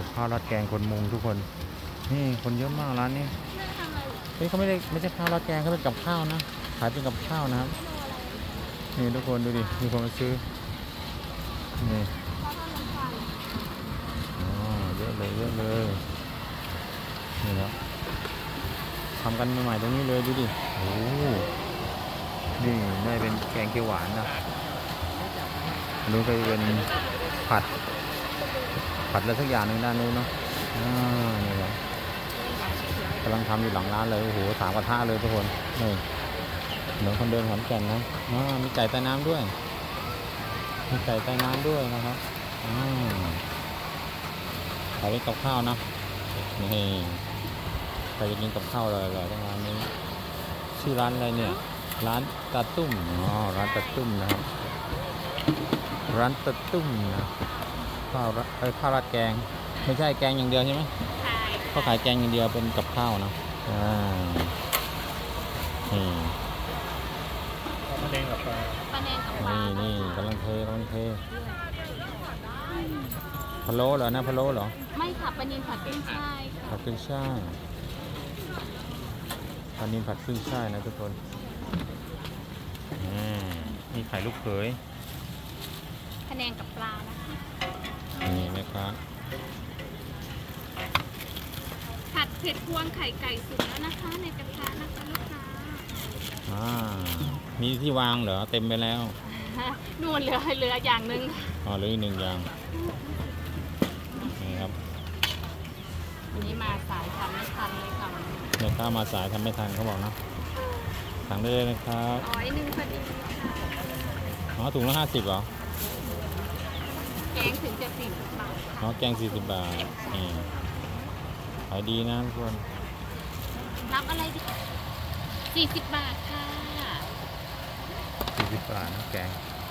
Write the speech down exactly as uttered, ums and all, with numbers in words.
ข้าวราดแกงคนมุงทุกคนนี่คนเยอะมากร้านนี้เฮ้ยเขาไม่ได้ไม่ใช่ข้าวราดแกงเขาเป็นกับข้าวนะขายเป็นกับข้าวนะครับนี่ทุกคนดูดิมีคนมาซื้อนี่อ๋อเยอะเลยเยอะเลยนี่ครับทำกันใหม่ๆตรงนี้เลยดูดิโอ้นี่ได้เป็นแกงเขียวหวานนะอันนู้นก็เป็นผัดผัดอะไรสักอย่างหนึ่งด้านนู้นเนาะอ่านี่ครับกำลังทำอยู่หลังร้านเลยโอ้โหสามกระทะเลยทุกคนนี่เหมือนคนเดินขอนแก่นนะอ่ามีไก่ใต้น้ำด้วยมีไก่ใต้น้ำด้วยนะครับอ่าขายเป็นกับข้าวนะนี่ใครจะกินกับข้าวเลยๆตรงร้านนี้ชื่อร้านอะไรเนี่ยร้านตาตุ้มอ๋อร้านตาตุ้มนะครับร้านตาตุ้มนะข้าวเอ้ยข้าวราดแกงไม่ใช่แกงอย่างเดียวใช่ไหมใช่เขาขายแกงอย่างเดียวเป็นกับข้าวนะอ่านี่ปลาแดงกับปลาปลาแดงกับปลานี่นี่กำลังเทกำลังเทพะโล้เหรอนะพะโล้เหรอไม่ค่ะปลานิลผัดขึ้นช่ายค่ะผัดขึ้นช่ายปลานิลผัดขึ้นช่ายนะทุกคนมีไข่ลูกเขยพะแนงกับปลานะคะนี่นะครับผัดเผ็ดพวงไข่ไก่สุกแล้วนะคะในกระทะนะคะลูกค้าอ่ามีที่วางเหรอเต็มไปแล้วนู่นเหลือเหลืออย่างหนึ่งอ๋อเหลืออีกหนึ่งอย่างนี่ครับวันนี้มาสายทำไม่ทันเลยค่ะเดี๋ยวข้ามาสายทำไม่ทันเขาบอกนะสั่งได้เลยนะครับร้อยหนึ่งพอดีค่ะอ๋อถุงละห้าสิบเหรอแกงถึงจะสี่สิบบาทอ๋อแกงสี่สิบบาทนี่ขายดีนะทุกคนรับอะไรดีสี่สิบบาทค่ะสี่สิบบาทนะแกง